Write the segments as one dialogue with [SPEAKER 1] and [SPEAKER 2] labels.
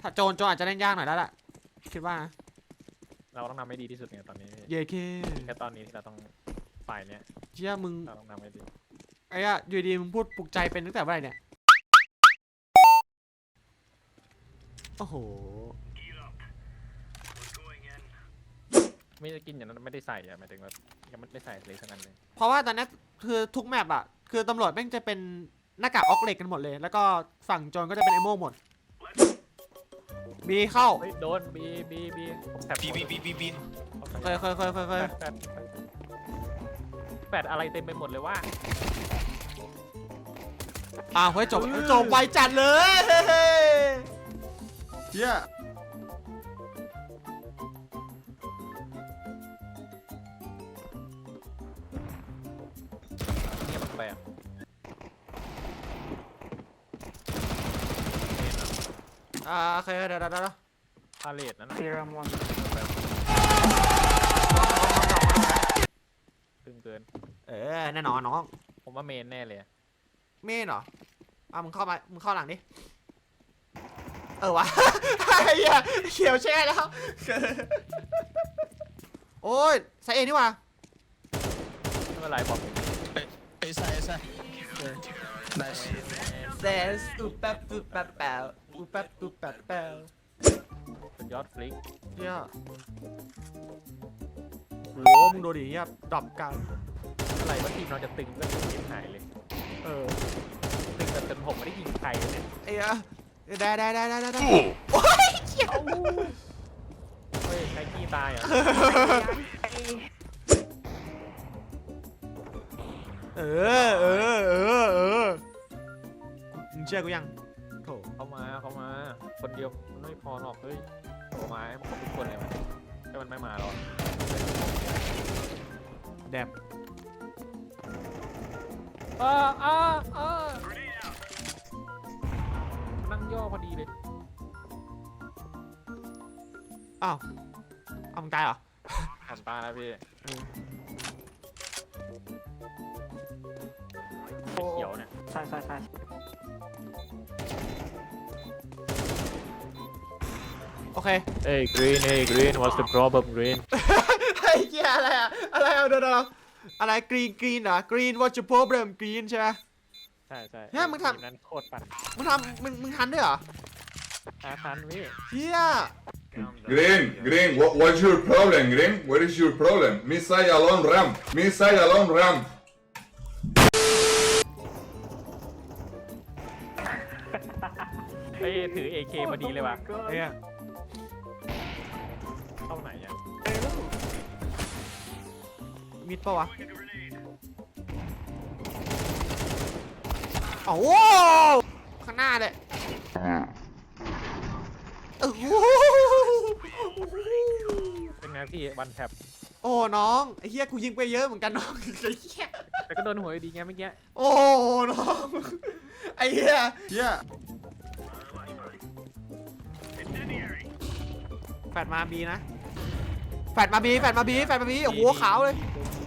[SPEAKER 1] ถ้าโจรอาจจะเล่นยากหน่อยแล้วล่ะคิดว่า
[SPEAKER 2] เราต้องทำให้ดีที่สุดไงตอนนี้
[SPEAKER 1] เย่เค
[SPEAKER 2] แค่ตอนนี้ที่เราต้องฝ่ายเนี้ย
[SPEAKER 1] เชี่ยมึง
[SPEAKER 2] เราต้องทำให้ดี
[SPEAKER 1] ไอ้อะอยู่ดีมึงพูดปลุกใจเป็นตั้งแต่เมื่อไหร่เนี่ยโอ้โห
[SPEAKER 2] ไม่ได้กินอย่างนั้นไม่ได้ใส่อะหมายถึงว่ายังไม่ได้ใส่เลยทั้งนั้นเลย
[SPEAKER 1] เพราะว่าตอนนี้คือทุกแมปอะคือตำรวจแม่งจะเป็นหน้ากากออกเหล็กกันหมดเลยแล้วก็ฝั่งโจรก็จะเป็นไอโม่หมดบีเข้า
[SPEAKER 2] โดนบีผมแท็บ
[SPEAKER 3] บี
[SPEAKER 1] เคย
[SPEAKER 2] แปดอะไรเต็มไปหมดเลยว่า
[SPEAKER 1] เฮ้ยจบไวจัดเลยเฮีย
[SPEAKER 2] เนี่ยมันแปลก
[SPEAKER 1] โอเคเดี๋ยว
[SPEAKER 2] พาเลทนั่นนะตึงเกิน
[SPEAKER 1] แน่นอนน้อง
[SPEAKER 2] ผมว่าเมนแน่เลย
[SPEAKER 1] เมนเหรอมึงเข้าหลังดิวะเฮียเขียวแช่แล้วโอ้ยใส่เองนี่วะ
[SPEAKER 2] ไม่เป็นไรบอก
[SPEAKER 3] เอซ่าได้
[SPEAKER 1] เซสอุปแป๊บสุ
[SPEAKER 2] ดยอดฟลิก
[SPEAKER 1] เฮียโหมึงดูดิเฮียดรอปกัน
[SPEAKER 2] อะไรว่าทีมเราจะตึงก็ตึงทีมหายเลยตึงแต่จนผมไม่ได้ยิงใครเลยเนี่ย
[SPEAKER 1] ได้
[SPEAKER 2] โอ้ยเขียวเฮ้ยใครขี้ตายอ่ะ
[SPEAKER 1] มึงเชื่อกูยังโถ
[SPEAKER 2] เข้ามาคนเดียวมันไม่พอหรอกเฮ้ยโอ้มามันทุกคนเลยมันถ้ามันไม่มาหรอก
[SPEAKER 1] แดบ
[SPEAKER 2] นั่งย่อพอดีเลย
[SPEAKER 1] มึงตายเหรอ
[SPEAKER 2] ทำตาแล้วพี่เขียวเนี่ย
[SPEAKER 4] ใช่
[SPEAKER 1] โอเค
[SPEAKER 2] Hey green what's the problem green
[SPEAKER 1] ไอ้เหี้ยอะไรเดี๋ยวอะไรกรีนเหรอกรีน what's your problem กรีนใช่ไหม
[SPEAKER 2] ใช่
[SPEAKER 1] เนี่ยมึงทำ
[SPEAKER 2] นั้นโคตรปั่น
[SPEAKER 1] มึงทันด้วยเหรอ
[SPEAKER 2] ทันพี่
[SPEAKER 1] เฮีย
[SPEAKER 5] Green, what's your problem, Green? What is your problem? Missile alone ram.
[SPEAKER 2] เฮ้ยถือ AK พอดีเลยว่ะ
[SPEAKER 1] เนี่ย
[SPEAKER 2] เข้าไหนอ่ะ
[SPEAKER 1] มิดปะวะโอ้ข้างหน้าเลย
[SPEAKER 2] เป็นไงพี่วันแท็บ
[SPEAKER 1] โอ้น้องไอ้เหี้ยกูยิงไปเยอะเหมือนกันน้องไอ้เหี้ย
[SPEAKER 2] แต่ก็โดนหัวดีไงเมื่อกี้
[SPEAKER 1] โอ้น้องไอ้เหี้ยแฟดมาบีนะแฟดมาบีโอ้โหขาวเลย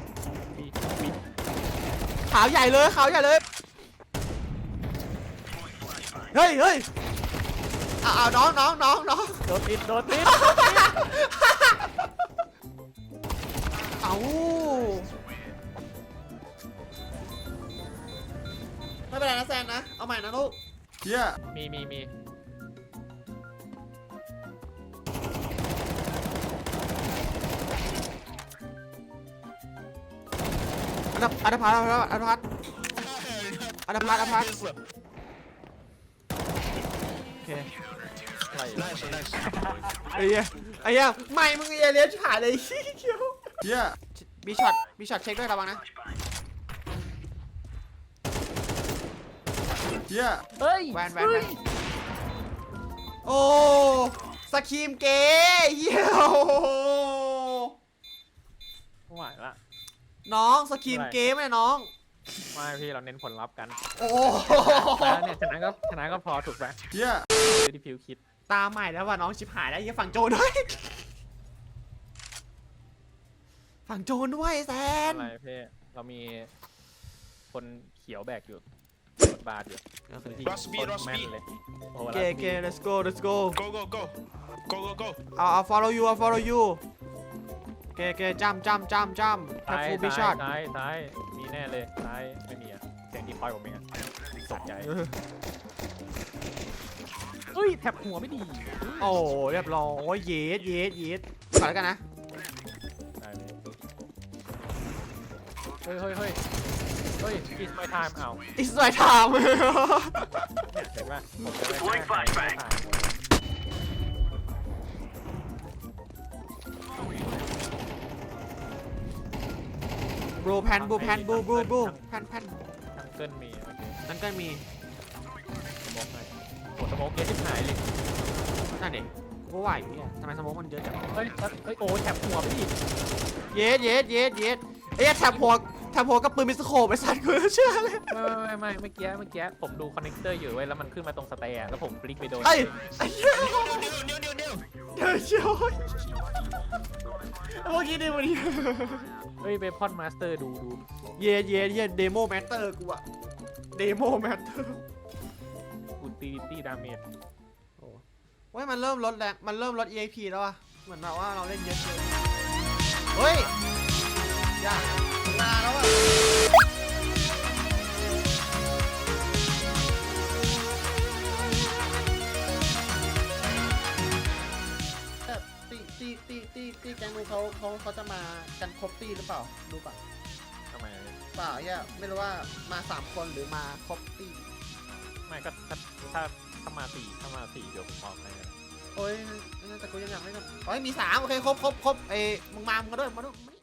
[SPEAKER 1] ขาวใหญ่เลยเฮ้ยน้อง
[SPEAKER 2] โดนติด
[SPEAKER 1] ไม่เป็นไรนะแซนนะเอาใหม่นะลูกเฮีย
[SPEAKER 2] มี
[SPEAKER 1] อันพัดโอเคไอ้เหี้ยไม่มึงเลี้ยงฉาเลยเขียวเฮียมีช็อตเช็คด้วยระวังนะเฮียแวนโอ้สกีมเก๋เฮีย
[SPEAKER 2] ไม่ไหวละ
[SPEAKER 1] น้องสกีมเก๋ไหมน้อง
[SPEAKER 2] ไม่พี่เราเน้นผลลัพธ์กัน
[SPEAKER 1] โอ้
[SPEAKER 2] เนี่ยชนะก็พอถูกไหม
[SPEAKER 1] เฮีย
[SPEAKER 2] ที่พิวคิด
[SPEAKER 1] ตาใหม่แล้วว่ะน้องชิบหายแล้วยังฝั่งโจนด้วยแซน
[SPEAKER 2] อะไรพี่เรามีคนเขียวแบกอยู่บาร์อยู่
[SPEAKER 1] โอเค
[SPEAKER 3] Rush B,
[SPEAKER 2] โคตร
[SPEAKER 3] Rush
[SPEAKER 2] แม่น
[SPEAKER 3] B.
[SPEAKER 2] เลยโอ้โห
[SPEAKER 1] โอเคโอเค let's go let's go
[SPEAKER 3] Go, go, go. Go, go, go.
[SPEAKER 1] เอา follow you เอา follow you โอเคโอเคจำแท็บ
[SPEAKER 2] ซ้าย
[SPEAKER 1] ฟูบิชอต
[SPEAKER 2] ซ้ายมีแน่เลยซ้ายไม่มีอะเสียงดีพอยผมเองอะตกใจเฮ้ยแท็บหัวไม่ดี
[SPEAKER 1] โอ้เรียบร้อยเย็ดก่อนแล้วกันนะ
[SPEAKER 2] ได้เลยเฮ้ย it's my time เอา
[SPEAKER 1] it's my time
[SPEAKER 2] เนี่ยเห็นป่ะผมจะได้ถ่าย
[SPEAKER 1] บลูแพนแพน
[SPEAKER 2] ทางเกิลมีโอเค
[SPEAKER 1] นั่นก็มี
[SPEAKER 2] สโมกให้โอ้สโมกเยอะชิบหายเลย
[SPEAKER 1] นั่นเด็กกูว่าอยู่เนี่ยทำไมสโมองมันเยอะจัง
[SPEAKER 2] เฮ้ยโอ้แท็บหัวไม่ดี
[SPEAKER 1] เย็ดเอ้ยแถบหัวกับปืนมิสโคปไอ้สัตว์กูเชื่อเลย
[SPEAKER 2] ไม่เมื่อกี้ผมดูคอนเนคเตอร์อยู่เว้ยแล้วมันขึ้นมาตรงสแตนแล้วผมคลิกไปโดน
[SPEAKER 1] ไอ้
[SPEAKER 3] New.
[SPEAKER 1] เดี๋ยวเชียวเมื่อกี้ดิวันนี้
[SPEAKER 2] เฮ้ยเบพอนมาสเตอร์ดู
[SPEAKER 1] เย็ดเดโมแมตเตอร์กูอะเดโมแมตเตอร์
[SPEAKER 2] อุติลิตี้ดาเมจ
[SPEAKER 1] เฮ้ยมันเริ่มลดแรงมันเริ่มลด EXP แล้วอะเหมือนแบบว่าเราเล่นเยอะเกินเฮ้ยยากนานแล้วอะตีแกงมือเขาจะมากันครบตีหรือเปล่าดูป่ะ
[SPEAKER 2] ทำไม
[SPEAKER 1] เปล่าเนี่ยไม่รู้ว่ามา3คนหรือมาครบตี
[SPEAKER 2] ไม่ก็ถ้ามาสี่เดี๋ยวผมบอกให้
[SPEAKER 1] โอ้ยแต่กูยังอยากไม่ทำโอ้ยมี3โอเคครบเอ้มึงมาด้วยมาด้วย